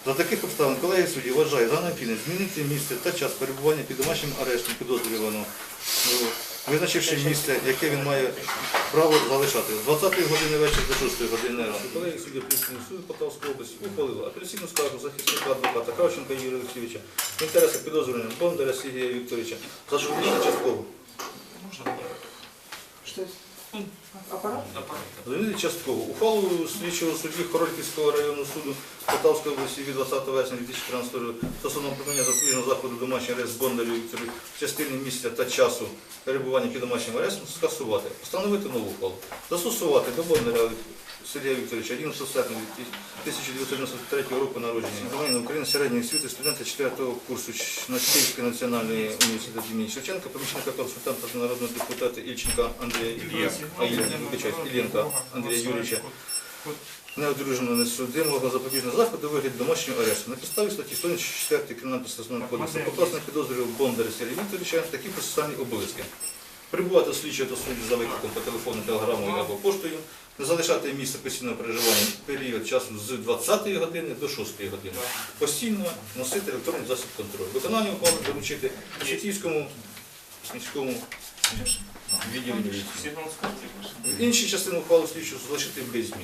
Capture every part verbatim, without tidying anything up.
За таких обставин колегія судді вважає за необхідне змінити місце та час перебування під домашнім арештом підозрюваного, визначивши місце, яке він має право залишати. З двадцятої години вечора до шостої години ранку. Колегія судді апеляційного суду Полтавської області ухвалила апеляційну скаргу захисника адвоката Кравченка Юрія Олексійовича в інтересах підозрюваного Бондаря Сергія Вікторовича за журналістичну часткову. Что это? Аппарат? Замінити частково. Ухвалу слідчого судді Хорольківського районного суду Полтавської області від двадцятого вересня дві тисячі тринадцятого року стосовно припинення запобіжного заходу домашній арест Бондарю Віктору в частині місця та часу перебування під домашнім арестом скасувати. Встановити нову ухвалу. Застосувати до Бондаря Сергія Вікторовича одинадцятого серпня тисяча дев'ятсот дев'яносто третього року народження. Громадянин України середньої освіти, студента четвертого курсу Київської національної університету імені Шевченка, помічника консультанта народного депутата Ільченка Андрія Іллєнка Андрія Юрійовича, неодруженого несудимого запобіжного заходу у вигляді домашнього арешту. На підставі статті сто чотири Кримінального процесуального кодексу покласти підозрював Бондаря Сергія Вікторовича такі процесуальні обов'язки. Прибувати слідчого та судді за викликом по телефону, телеграмою або поштою, не залишати місце постійного переживання період часу з двадцятої години до шостої години. Постійно носити електронний засіб контролю. Виконання ухвали доручити Шевченківському міському відділі міліції. Інші частини ухвали слідчого залишити без змін.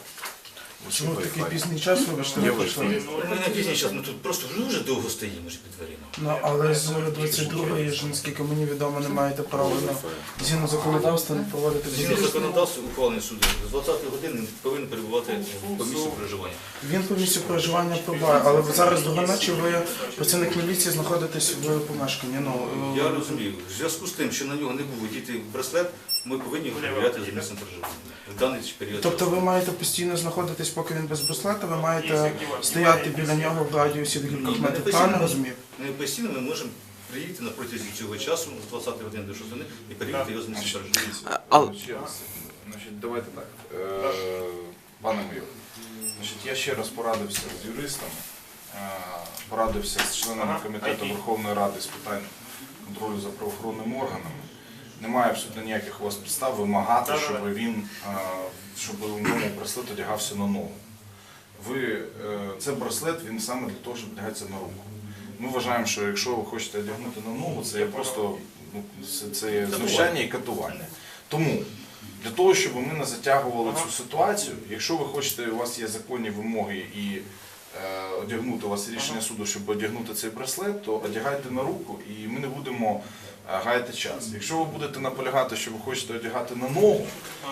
Чому такий пізній час, вибачте, ви прийшли? Ми не пізній час, ми тут просто дуже довго стоїмо ж під дверима. Ну, але з двадцять другої ж, наскільки мені відомо, не маєте права на згідно законодавства не проводити Згідно візит. законодавства ухвалений судом, з двадцятої години повинен перебувати по місцю проживання. Він по місцю проживання пробуває, але ви зараз до ночі ви, працівник міліції, знаходитесь в помешканні. Ну, Я розумію, в зв'язку з тим, що на нього не був діти браслет, ми повинні його перевіряти за місцем проживання в даний період. Тобто ви маєте постійно знаходитись, поки він без браслета, ви маєте стояти біля нього в радіусі декількох метрів. Правильно розумію? Не постійно ми можемо приїхати на протязі цього часу, з двадцятої години до шостої, і перевірити його за місцем проживання. А- Ще раз. Значить, давайте так. Е, Пане майор, значить, я ще раз порадився з юристами, е, порадився з членами комітету Верховної Ради з питань контролю за правоохоронними органами. Немає абсолютно ніяких у вас підстав вимагати, щоб він, е, щоб у ньому браслет одягався на ногу. Ви, е, це браслет, він саме для того, щоб одягається на руку. Ми вважаємо, що якщо ви хочете одягнути на ногу, це є просто ну, це, це є знущання і катування. Тому для того, щоб ми не затягували цю ситуацію, якщо ви хочете, у вас є законні вимоги і е, одягнути у вас рішення суду, щоб одягнути цей браслет, то одягайте на руку і ми не будемо е, гаяти час. Якщо ви будете наполягати, що ви хочете одягати на ногу,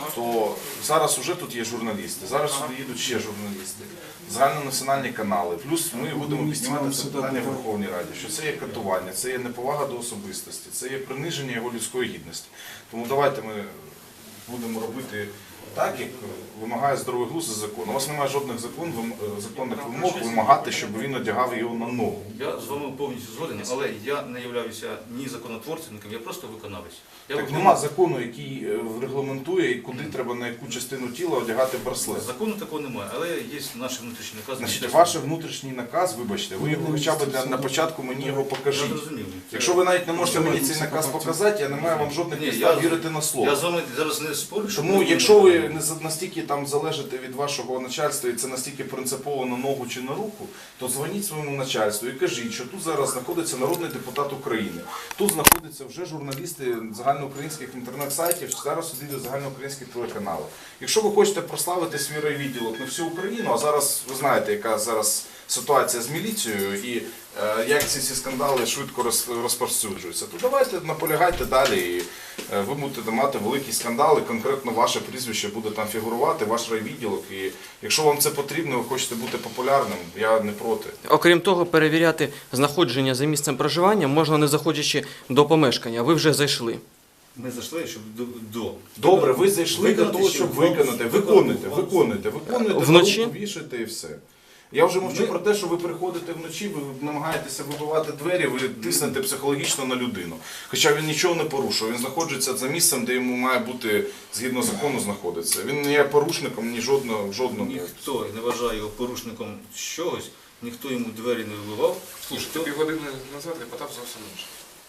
то зараз вже тут є журналісти, зараз сюди їдуть ще журналісти, загальнонаціональні канали. Плюс ми будемо піднімати це питання в Верховній Раді, що це є катування, це є неповага до особистості, це є приниження його людської гідності. Тому давайте ми будемо робити так, як вимагає здоровий глузд і закон. У вас немає жодних закон, вим- законних вимог вимагати, щоб він одягав його на ногу. Я з вами повністю згоден, але я не являюся ні законотворцем, я просто виконавець. Я Так виконую- нема закону, який е, регламентує, куди треба на яку частину тіла одягати браслет. Закону такого немає, але є наш внутрішній наказ. Значить, ваш внутрішній наказ, вибачте, ви його хоча б для, на початку мені його Я покажіть. зрозумів. Якщо ви навіть не можете мені цей наказ показати, я не маю вам жодних Ні, підстав я- вірити на Я слово. з вами зараз не спорю, що Тому якщо ви не за- настільки там залежите від вашого начальства і це настільки принципово на ногу чи на руку, то дзвоніть своєму начальству і кажіть, що тут зараз знаходиться народний депутат України, тут знаходяться вже журналісти загальноукраїнських інтернет-сайтів, зараз сидять загальноукраїнських телеканалів. Якщо ви хочете прославити свій райвідділок на всю Україну, а зараз ви знаєте, яка зараз ситуація з міліцією і е, як ці всі скандали швидко роз- розповсюджуються, то давайте наполягайте далі і е, ви будете мати великі скандали, конкретно ваше прізвище буде там фігурувати, ваш райвідділок. І якщо вам це потрібно, ви хочете бути популярним, я не проти. Окрім того, перевіряти знаходження за місцем проживання можна не заходячи до помешкання. Ви вже зайшли. Ми зайшли, щоб до. до. Добре, ви зайшли для Виконати, того, щоб щоб вам- виконати. виконати Виконуйте, вам- виконуйте, виконуйте, Вночі? на руку вішайте і все. Я вже мовчу Ми- про те, що ви приходите вночі, ви намагаєтеся вибивати двері, ви тиснете психологічно на людину. Хоча він нічого не порушує, він знаходиться за місцем, де йому має бути, згідно закону, знаходиться. Він не є порушником ні жодного, жодного. Ніхто не вважає його порушником чогось, ніхто йому двері не вибивав. Слушай, Ніхто- ти півгодини назад я питав зовсім інше.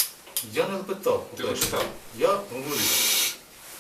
Я не питав. Ти по-перше. питав? Я говорив.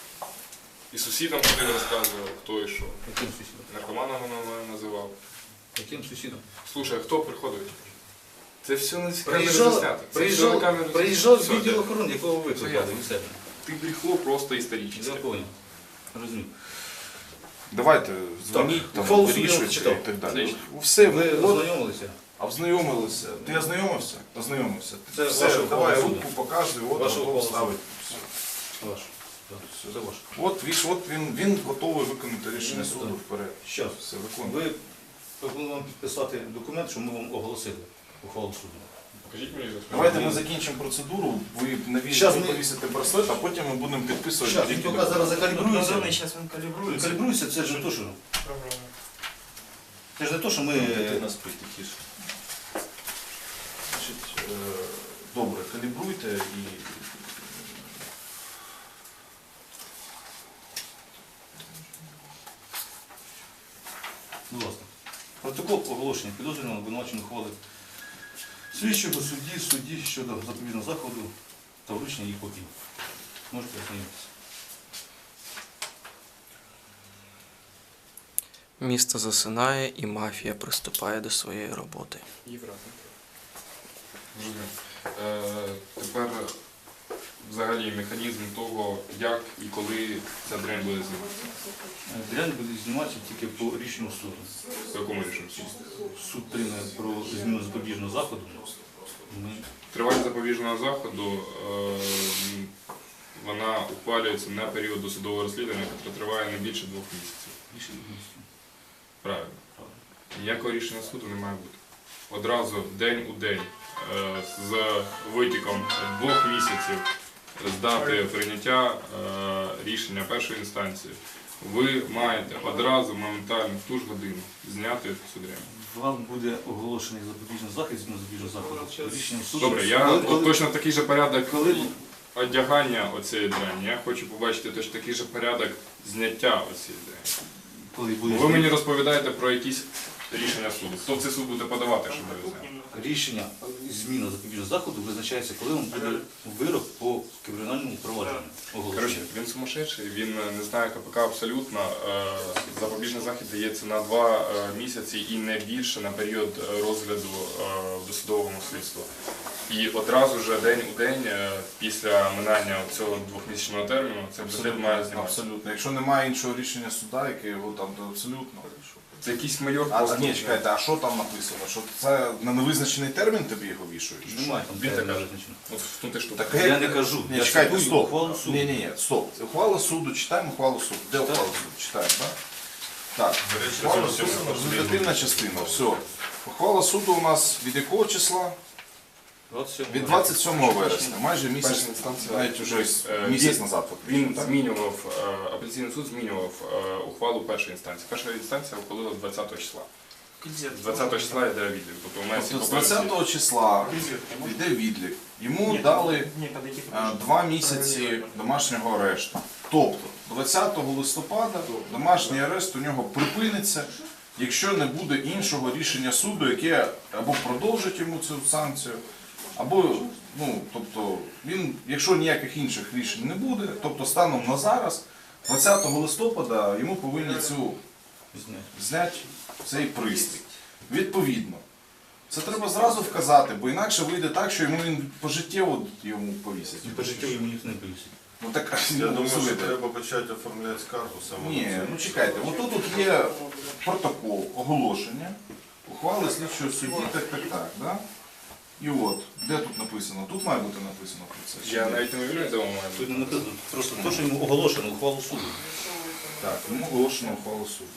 І сусідам ходив, розказував, хто і що. Яким сусідом? Наркоманом вона називав. Яким сусідом? Слушай, а хто приходить? Це все на камеру Приїжджав, заснято. Це все на приїжджав, камеру приїжджав заснято. відділ Все, охорони, якого ви Все викликали ясно. від себе. Ти брехло просто Я історичне. понял. Розумію. Давайте дзвоніть, там, ухвалу суду я вирішуйте читав. і так далі. Отлично. Все, Ви от, ознайомилися? а ознайомилися. Ти ознайомився? Ознайомився. Це Все, ваша давай ухвала руку показуй, от Ваша готов ухвала ставить. Ваш. Так, Це ваш. От, віж, от він, він готовий виконати рішення суду вперед. Щас. Все, виконує. Ви пропонуємо вам підписати документ, що ми вам оголосили ухвалу суду. Покажіть мені за Давайте ми закінчимо процедуру, ви навіщо Щас ви ми- повісите браслет, а потім ми будемо підписувати. Щас, він тільки тільки зараз закалібрується. зараз він калібрується. Калібрується, це ж не то, що... Це ж не то, що ми... Дитина спить тихіше. Значить, е, добре, калібруйте і. Будь ласка. Протокол оголошення підозрюваного обвинуваченої ухвали слідчого судді, судді щодо запобіжного заходу та вручення її копії. Можете ознайомитися. Місто засинає і мафія приступає до своєї роботи. Євро. Зрозумів. Е, Тепер взагалі механізм того, як і коли ця дрянь буде зніматися. Дрянь буде зніматися тільки по рішенню суду. По якому рішенню суду? Суд прийме про зміну запобіжного заходу. Ми Тривалість запобіжного заходу е, вона ухвалюється на період досудового розслідування, яке триває не більше двох місяців. рішення місця. Правильно. Ніякого рішення суду не має бути. Одразу день у день е, з витіком двох місяців з дати прийняття е, рішення першої інстанції ви маєте одразу моментально в ту ж годину зняти цю дрянь. Вам буде оголошений запобіжний захід, зміну запобіжного заходу. Рішення суду. Добре, я Коли- от коли- точно такий же порядок Коли одягання оцієї драні. Я хочу побачити точно такий же порядок зняття оцієї драні. коли буде Ви мені розповідаєте про якісь рішення суду. Хто в цей суд буде подавати, щоб ви знали? рішення зміна запобіжного заходу визначається, коли вам буде вирок по кримінальному провадженню. Коротше, Оголошення. він сумасшедший, він не знає КПК абсолютно. Е, Запобіжний захід дається на два е, місяці і не більше на період е, розгляду е, в досудовому слідстві. І одразу ж день у день е, після минання цього двохмісячного терміну цей бюджет має зніматися. Абсолютно. Якщо немає іншого рішення суда, яке його там, то абсолютно. Це якийсь майор А, просто. ні, чекайте, а що там написано? Що це на невизначений термін тобі його вішують? Немає там Він так терміну каже. визначено. От в тому ти штука. Так, Я не кажу. Ні, Я чекайте, цитую стоп. ухвалу суду. Ні, ні, ні, стоп. Ухвала суду, читаємо ухвалу суду. Де Читаємо. ухвалу суду? Читаємо, так? Так, ухвала суду, результативна частина, все. Ухвала суду у нас від якого числа? двадцять сьомого Від двадцять сьомого вересня, майже місяць, Перша інстанція. навіть уже Е, місяць він- назад. фактично, Він так? змінював, е, апеляційний суд змінював е, ухвалу першої інстанції. Перша інстанція ухвалила двадцятого числа. двадцятого числа йде відлік. Тобто у мене всі Тобто з попередні- двадцятого числа йде відлік. Йому дали е, два місяці домашнього арешту. Тобто двадцятого листопада домашній арешт у нього припиниться, якщо не буде іншого рішення суду, яке або продовжить йому цю санкцію, або, ну, тобто, він, якщо ніяких інших рішень не буде, тобто станом на зараз, двадцятого листопада йому повинні цю зняти цей пристрій. Відповідно. Це треба зразу вказати, бо інакше вийде так, що йому він пожиттєво йому повісять. І по життю йому ніхто не повісить. Ну так, Я ну, думаю, що слухайте. треба почати оформляти скаргу саме. Ні, на це. ну чекайте, от тут є протокол, оголошення, ухвали слідчого судді, так, так, так, да? І от, де тут написано? Тут має бути написано про це. чи Я ні? навіть не уявляю, де воно має Тут бути. не написано, просто те, що йому оголошено, ухвалу суду. Так, йому оголошено ухвалу суду.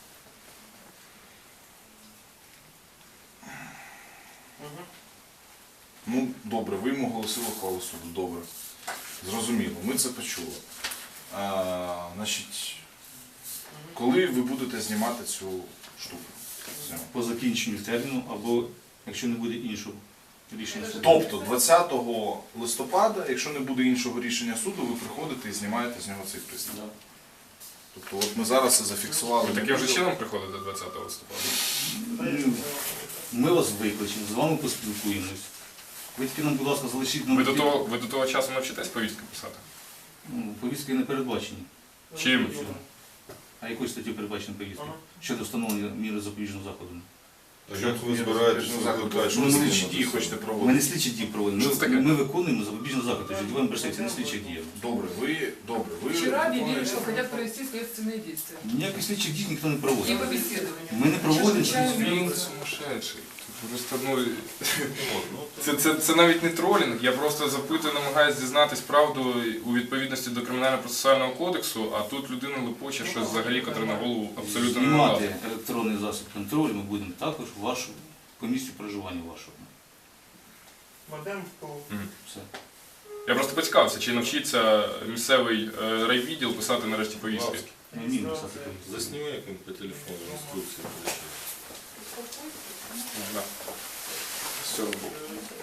Ну, добре, ви йому оголосили ухвалу суду, добре. Зрозуміло, ми це почули. А, значить, коли ви будете знімати цю штуку? Все. По закінченню терміну, або якщо не буде іншого рішення суду. Тобто двадцятого листопада, якщо не буде іншого рішення суду, ви приходите і знімаєте з нього цей пристрій. Тобто от ми зараз це зафіксували. Ви таким же чином приходите двадцятого листопада? Ми вас викличемо, з вами поспілкуємось. Ви тільки нам, будь ласка, залишіть Ви нам до того, ви до того часу навчитесь повістки писати? Ну, повістки не передбачені. Чим? А якою статтю передбачені повістки? Щодо встановлення міри запобіжного заходу? Як ви збираєтесь викликати? Що ви слідчі дії хочете Ми не проводити? слідчі дії проводимо. Що це таке? Ми, ми виконуємо запобіжні заходи. Житловим перспективі, не слідчі дії. Добре, ви, добре, ви... Вчера объявили, виконуєте- что хотят провести следственные действия Ніяких слідчих дій ніхто не и проводить. побеседование. Ми не проводимо. Він сумасшедший. Просто, ну, це, це, це навіть не тролінг, я просто запитую, намагаюся дізнатись правду у відповідності до Кримінально-процесуального кодексу, а тут людина лопоче щось взагалі, котре на голову абсолютно не Знімати налазить. електронний засіб контролю ми будемо також вашу, по місцю проживання вашого. Все. Я просто поцікавився, чи навчиться місцевий е, райвідділ писати нарешті повістки. Ми вміємо писати повістки. Засніми як по телефону інструкції. Да. З цього боку.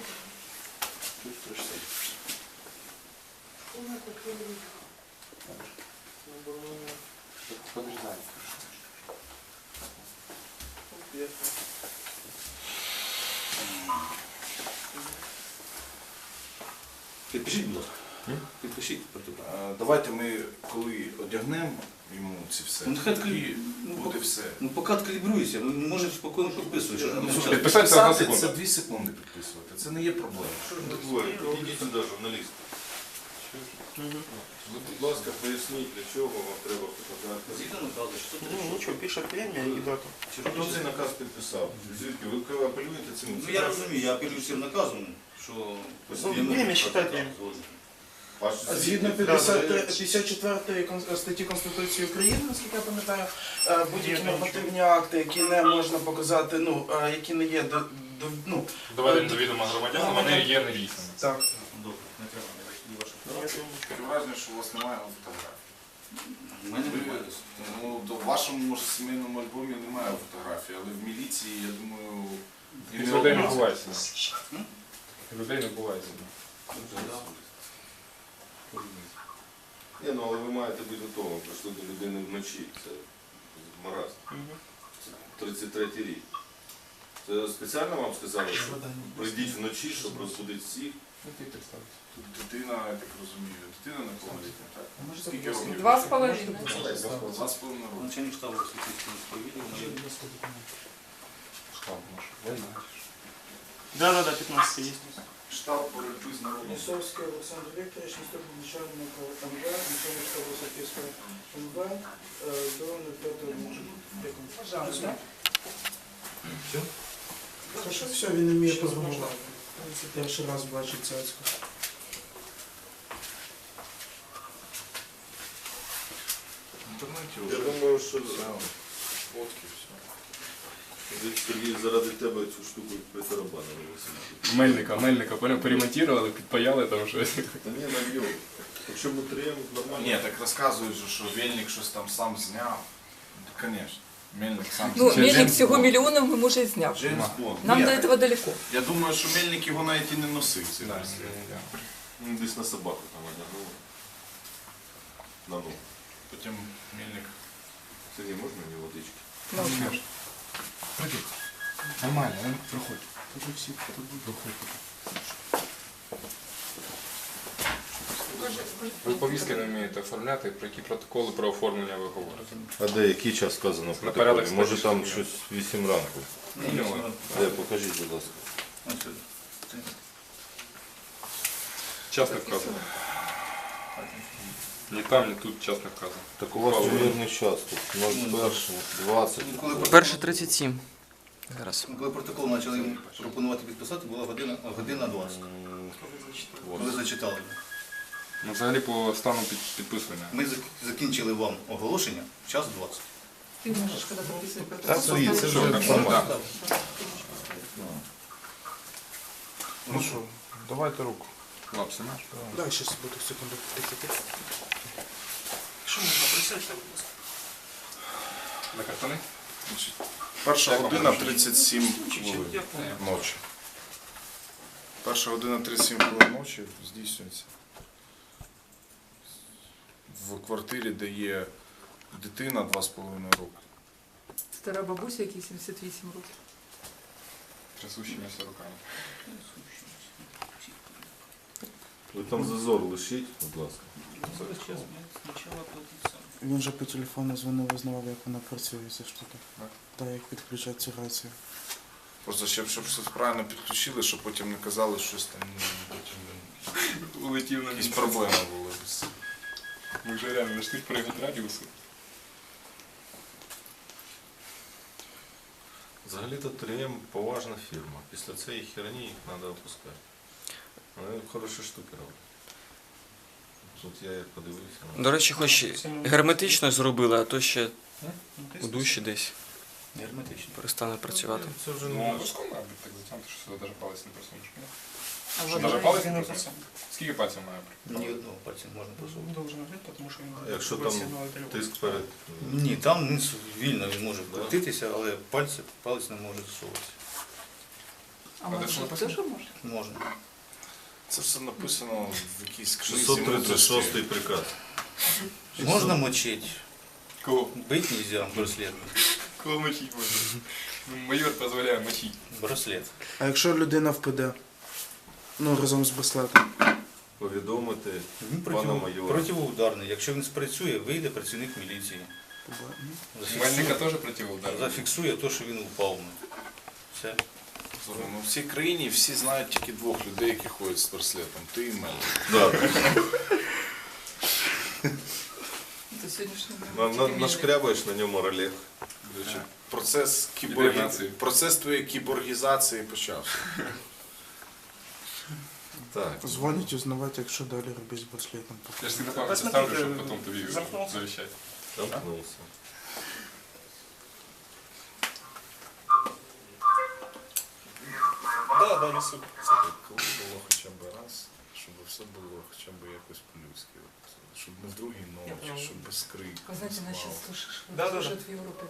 Підпишіть, будь ласка. Підпишіть протокол. Е, Давайте ми, коли одягнемо йому ці все, Ну, нехай тоді відкрий- ну, буде все. Ну, поки калібруйся, ми можемо спокійно підписувати. що там зараз. Підписатися одна Писати це секунда. дві секунди підписувати, це не є проблема. Що ж ви двоє? Ідіть сюди, журналісти. Ви, будь ласка, поясніть, для чого вам треба фотографія. Згідно наказу, що тут Ну нічого, пише премія і дату. Хто цей наказ підписав? Звідки? Ви коли апелюєте цим? Ну, я розумію, я апелюю всім наказом, що... Время считайте. Ваш Згідно звідки? п'ятдесят четвертої кон- статті Конституції України, наскільки я пам'ятаю, е, будь-які нормативні акти, які не можна показати, ну, е, які не є до, до, ну, Доведені до відома громадян, вони є недійсними. так. Добре, не треба, не важливо ваша фотографія. Таке враження, що у вас немає фотографій. У мене немає. Ну, до- в вашому може, сімейному альбомі немає фотографій, але в міліції, я думаю, і Від не людей одна. не бувається. Людей не бувається. Ні, ну але ви маєте бути готовим. Прийшли до людини вночі. Це маразм. Це тридцять третій рік. Це спеціально вам сказали, що прийдіть вночі, щоб розбудити всіх. Тут дитина, я так розумію, дитина неповнолітня, так? Скільки років? Два с половиной. Два з половиною роки. Начальник штабу Святійського сповідання. Да, да, да, пятнадцать есть. Штаб боротьби з народом. Несовский Александр Викторович, наступный начальник МВ, начальник штаба Софийского МВ, э, до пятого Пожалуйста. Хорошо, все, він не вміє програмувати. Це перший раз бачить цяцьку. В інтернеті Я вже думаю, що все, фотки, все. Сергій заради тебе цю штуку притарабанили. Мельника, мельника, понял, перемонтували, підпаяли там щось. Та ні, наб'ємо. Якщо ми трем, нормально. Ні, так розказують, же, що Мельник щось там сам зняв. Звісно, Мельник сам Ну, зняв. Мельник Джеймс всего Бонд. миллионов, может, и сняв. Джеймс Бонд. Нам Ні, до так этого далеко. Я думаю, що Мельник його навіть і не носив. Цей Да, браслет. Ну, десь на собаку там одягнули. На ногу. Потім Мельник. Сергій, можна мені водички? Ну, Нормально, він приходь. Ви повістки не вмієте оформляти, про які протоколи про оформлення ви говорите? А де, який час сказано в На порядок протоколі? Може там статті. щось вісім ранку? Ну, Де, покажіть, будь ласка. Ось сюди. Це- час не вказано. Ні там, ні тут час не вказано. Так у вас Павло. вірний час тут. ноль перше, двадцять. Ну, коли Перше тридцять сім. Зараз. Коли протокол почали йому пропонувати підписати, була година, година двадцять. Коли зачитали. Ну, взагалі по стану під, підписування. Ми зак- закінчили вам оголошення в час двадцять. ты можешь, когда подписывать Та свої, це Що, вже так, нормально. так. Ну що, давайте руку. Лапси маєш? Да, сейчас буду секунду. Що можна присядьте, будь ласка? На картони? Значить, перша година тридцять сім хвилин ночі. Перша година тридцять сім хвилин ночі здійснюється в квартирі, де є дитина два з половиною роки. Стара бабуся, якій сімдесят вісім років. Трясущимися руками. Ви там зазор лишіть, будь ласка. Він же по телефону дзвонив, визнавав, як вона працює, ця штука. Так. Так, як підключати цю рацію. Просто щоб, щоб щось правильно підключили, щоб потім не казали щось там, ну, потім Улетів на якісь місяць. проблеми були. Ми вже реально знайшли перегід радіусу. Взагалі-то три ем поважна фірма. Після цієї херні їх треба опускати. Вони хороші штуки роблять. Тут я як подивився. До речі, хоч герметично зробили, а то ще у душі десь Герметично. перестане працювати. Це вже Ну, не наш. обов'язково має бути так затягнути, що сюди навіть палець не просунеш. ні? А Що, вот навіть Він палець не не просунеш? працює. Скільки пальців має бути? Ні одного пальця не можна посунути. Должен жити, тому що він Якщо там професіонал і тиск перед. Ні, там низ вільно він може крутитися, але пальці, палець не може засовуватися. А А може де що теж написано? можна? Можна. Це все написано в якійсь книзі шістсот тридцять мудрості. шостий приказ. Можна мочити. Кого? Бить нельзя браслет. Кого мочить можна? Ну, майор дозволяє мочити. Браслет. А якщо людина впаде? Ну, разом з браслетом. Повідомити Він пана против, майора. противоударний. Якщо він спрацює, вийде працівник міліції. Мельника теж противоудар. Зафіксує те, що він упав. Все. Слухай, ну в цій країні всі знають тільки двох людей, які ходять з браслетом. Ти і Мел. Да. До сьогоднішнього На, дня. на, Тільки нашкрябаєш на ньому ролет. До речі, процес, кіборгі... Ідентифікації. процес твоєї кіборгізації почався. Так. Дзвонить узнавати, якщо далі робити з браслетом. Я ж тебе пам'ять Посмотрите, ставлю, щоб потім тобі замкнувся. завіщати. Замкнувся. Да, да, несу. Це так, коли було хоча б раз, щоб все було хоча б якось по-людськи. Щоб не в другій ночі, щоб без крику. Вы знаете, без нас сейчас свалки. слушаешь, Да, да, да. слушают в Европе.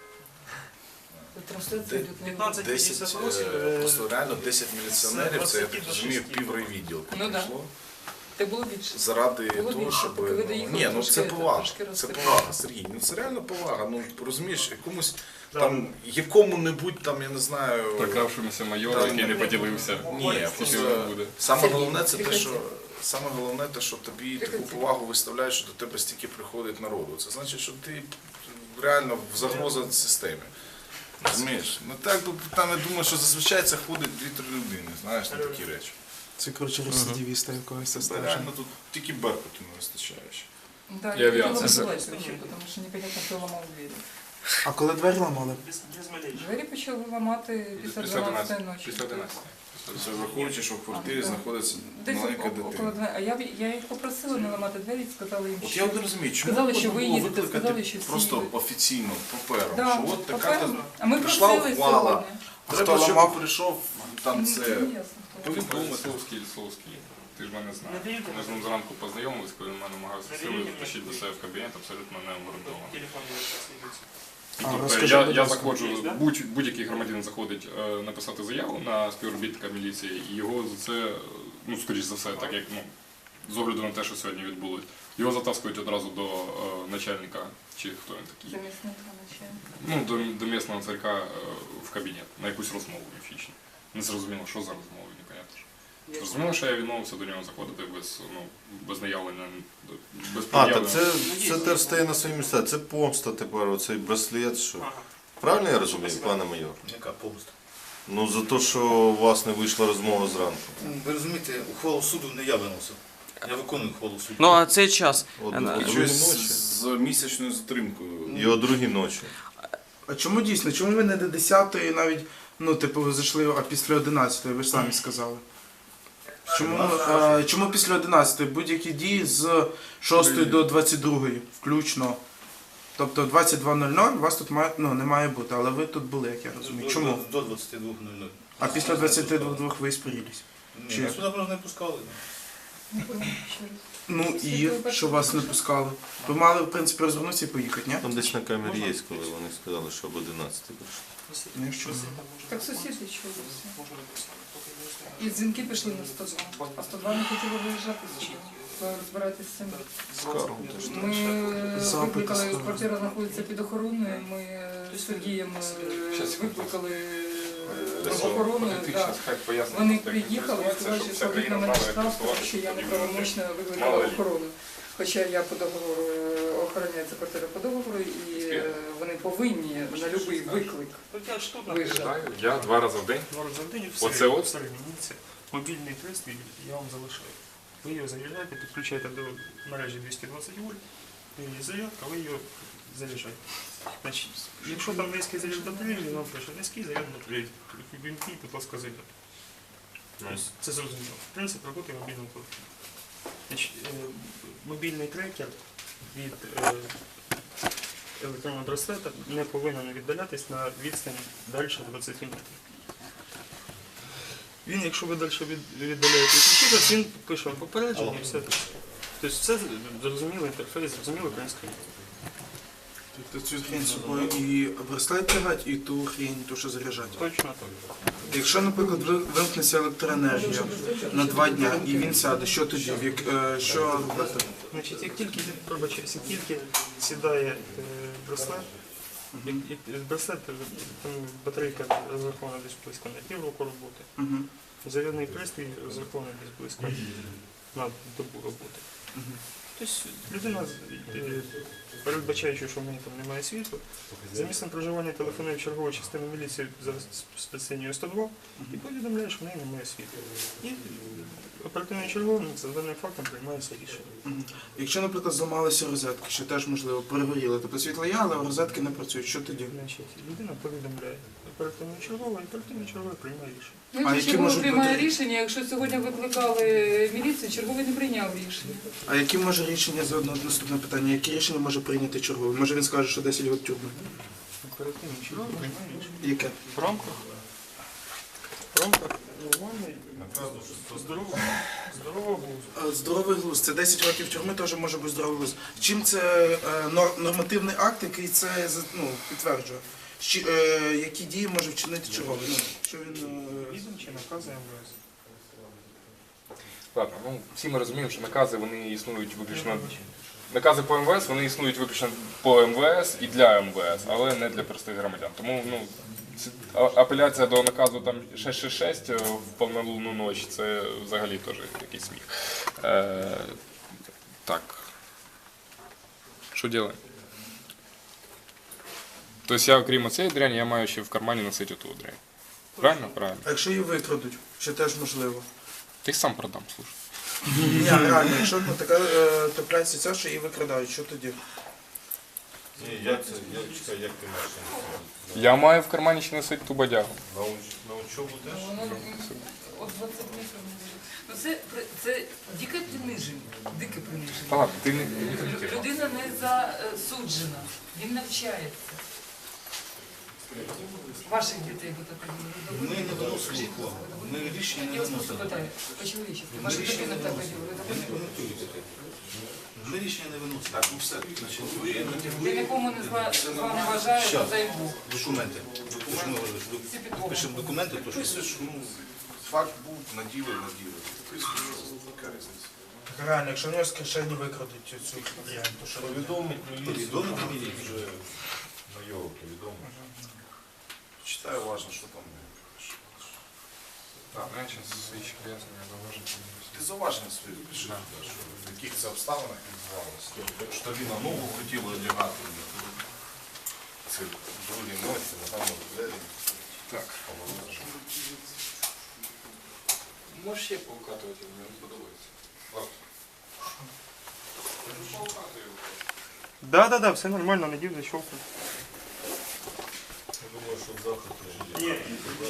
Вот трансляция Де- идет на Европе. пятнадцать десять, е, просто реально десять міліціонерів, це я так розумію, піврайвідділку Ну да. прийшло. Так було більше. Заради Було того, більше, щоб... поки ви ну, доїхали, ні, ну трошки це це, повага. трошки Це розкрили. повага, Сергій. Ну це реально повага. Ну розумієш, якомусь там, якому-небудь там, я не знаю... Прокравшимося майору, Там- який не поділився. Ні, Скільки просто буде. саме Сергій, головне це те, приходьте. що саме головне те, що тобі таку Приходьте. повагу виставляють, що до тебе стільки приходить народу. Це значить, що ти реально в загроза системі. Розумієш? Ну так, бо там я думаю, що зазвичай це ходить дві-три людини, знаєш, на такі речі. Це, коротше, рецидивіста якогось це Це стежить. реально тут тільки беркуту не вистачає ще. Да, И я авиация. хотела бы сказать, почему, потому что непонятно, хто ламав двері. А коли двері ламали? Двері почали ламати після Після дванадцятої одинадцяти. ночі. Після одинадцяти. Це враховуючи, що в квартирі А, знаходиться Десь маленька около дитина. дванадцяти. А я, я їх попросила не ламати двері, сказали їм, От що... я не розумію, чому Сказали, можна що ви було їдете, викликати сказали, що всі просто їдуть. офіційно папером, Да, що от така папером. та А ми прийшла просили ухвала. сьогодні. Треба, Хто щоб ламав? прийшов там це. Ну, ясно, хто. Повідомити Соловський, Соловський. Ти ж мене знаєш. Ми з ним зранку познайомились, коли він мене намагався силою втащити до себе в кабінет, абсолютно не обґрунтовано. А, Тобто розкажи, я, будь я ласка. заходжу, будь, будь-який громадянин заходить е, написати заяву на співробітника міліції, і його за це, ну, скоріш за все, так як, ну, з огляду на те, що сьогодні відбулось, його затаскують одразу до е, начальника, чи хто він такий, Замісника начальника. ну, до, до місного царька е, в кабінет, на якусь розмову міфічну. Не зрозуміло, що за розмова, непонятно. Зрозуміло, що я відмовився до нього заходити без, ну, без наявлення, без А, пред'яви. так це, це теж стає на свої місця. Це помста тепер, оцей браслет. Що... Правильно я розумію, пане майор? Яка помста? Ну за те, що у вас не вийшла розмова зранку. Ви розумієте, ухвалу суду не я виносив. Я виконую ухвалу суду. Ну а цей час. От, Е, о другій Щось ночі. з місячною затримкою. І о другій ночі. А чому дійсно? Чому ви не до десятої навіть, ну, типу, ви зайшли, а після одинадцятої, ви ж самі сказали. Чому, е, чому після одинадцятої? Будь-які дії з шостої до двадцять другої включно. Тобто двадцять два нуль нуль у вас тут має, ну, не має бути, але ви тут були, як я розумію. Чому? До двадцяти двох нуль нуль. А після двадцяти двох ви іспарились. Ні, Чи? нас сюди просто не пускали. Не поняла, ще раз. Ну і що вас не пускали? Ви мали, в принципі, розвернутися і поїхати, ні? Там десь на камері є, коли вони сказали, що об одинадцятій прийшли. Ну, якщо ви- Так сусіди чули все. І дзвінки пішли на сто два. А сто два не хотіли виїжджати сюди. Розбиратись з цим. Скаргом теж. Ми е, Запити викликали, ставили. квартира знаходиться під охороною, ми е, з Сергієм е, Щас, викликали е, Десь охорону. ти да. щас хай пояснить, Вони як це приїхали і відбувається, сказали, щоб що вся складуть країна на мене знала, як штраф, працювати, тому що я щоб неправомочно Мало викликала ли. охорону. Хоча я по договору е, охорони охороняється квартира по договору, і е, вони повинні на будь-який виклик От я ж тут виїжджати. Знаю, я два рази в день. два рази в день в Оце середньому, от? в середньому. Це мобільний пристрій я вам залишаю. Ви його заряджаєте, підключаєте до мережі двісті двадцять вольт, і зарядка, ви його заряджаєте. Значить, якщо там низький заряд батареї, він вам пише низький заряд батареї. Вімкніть, будь ласка, заряд. Тобто це зрозуміло. Принцип роботи мобільного телефону. Значить, е, мобільний трекер від е, електронного браслета не повинен віддалятись на відстані далі двадцять метрів. Він, якщо ви далі від- віддаляєте від комп'ютера, він пише вам попередження і все. Тобто це зрозумілий інтерфейс, зрозуміло українською. Тобто цю хрень з собою і браслет тягати, і ту хрень, ту, що заряджати. Точно так. Якщо, наприклад, ви- вимкнеться електроенергія на два дня і він сяде, що тоді? В як- е, Що робити? Значить, як тільки, пробачаюсь, як тільки сідає е, браслет, як, як, браслет, е, там батарейка розрахована десь близько на півроку роботи, Мгм. зарядний пристрій розрахований десь близько на добу роботи. Тобто людина, е, передбачаючи, що в неї там немає світла, за місцем проживання телефонує в чергову частину міліції за спецлінією сто два і повідомляє, що в неї немає світла. І оперативний черговий за даним фактом приймається рішення. Мгм. Якщо, наприклад, зламалися розетки, що теж можливо перегоріли, тобто світло є, але розетки не працюють, що тоді? Значить, людина повідомляє оперативний черговий, і оперативний черговий приймає рішення. Ну, А якщо які черговий можуть приймає бути- рішення, якщо сьогодні викликали міліцію, черговий не прийняв рішення. А які може рішення за одне наступне питання? Які рішення може прийняти черговий? Може він скаже, що десять років тюрми? Оперативний черговий приймає рішення. Яке? В рамках, в рамках нормальної, здорового, здорового глузду. Е, Здоровий глузд. Це десять років тюрми теж може бути здоровий глузд. Чим це е, нор- нормативний акт, який це за- ну, підтверджує? Щі- е, які дії може вчинити черговий? Ну, що він е, Відомчі накази МВС. Ладно, ну всі ми розуміємо, що накази вони існують виключно. Накази по МВС вони існують виключно по МВС і для МВС, але не для простих громадян. Тому ну, ці- а- апеляція до наказу там шість шість шість в повнолунну ніч це взагалі теж якийсь сміх. Е, так. Що робимо? Тобто я, окрім цієї дряні, я маю ще в кармані носити оту дрянь. Правильно? Правильно. А якщо її викрадуть, що теж можливо? Ти сам продам, слушай. Ні, реально, якщо ну, така е, трапляється ця, що її викрадають, що тоді? Ні, як це, як, чекай, як ти маєш це? Я маю в кармані ще носити ту бадягу. На, уч, на учобу теж? Воно от двадцять метрів не буде. Ну це, при- це дике приниження, дике Та приниження. ладно, ти не... Лю- Людина не засуджена, він навчається. Ваших дітей ви так Ми не виносимо ухвалу. Ми рішення не Я вас просто виносимо. питаю, по-чоловічески, Ми ваша рішення дитина не так виносимо. робила, Я не коментую це. Ми рішення не виносимо. Так, ну все, значить, ви, я нікому не зла, зла не вважаю, Щас. дай Бог. Документи. Документи. Всі підлоги. Пишемо документи, то що Писуєш, ну, факт був, наділи, наділи. Писуєш, яка різниця. Реально, якщо в нього з кишені викрадуть цю цю дрянь, то що робити? Повідомить міліцію. повідомити міліцію. Вже на його повідомить. Читай уважно, що там. Так, я зараз свої пояснення завожу. Ти зауваження свої пиши, що в яких це обставинах відбувалося. Що він на ногу хотіли одягати. Це другі ночі, ногами в двері. Так. Можеш ще поукатувати, мені не подобається. Ладно. Поукатую. Да, да, да, все нормально, надів защелку. Я думаю, що завтра теж є.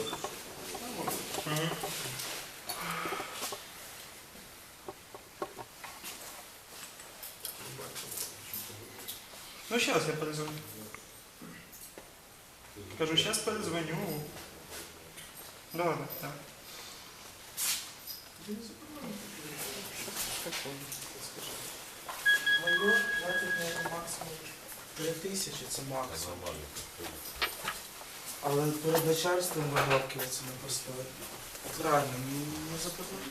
Ну, сейчас я перезвоню. Кажу, сейчас перезвоню. Да, да, да. Майор платить на максимум три тисячі, це максимум. Нормально. Але перед начальством вигавки це не поставити. От реально, ну не заплатити.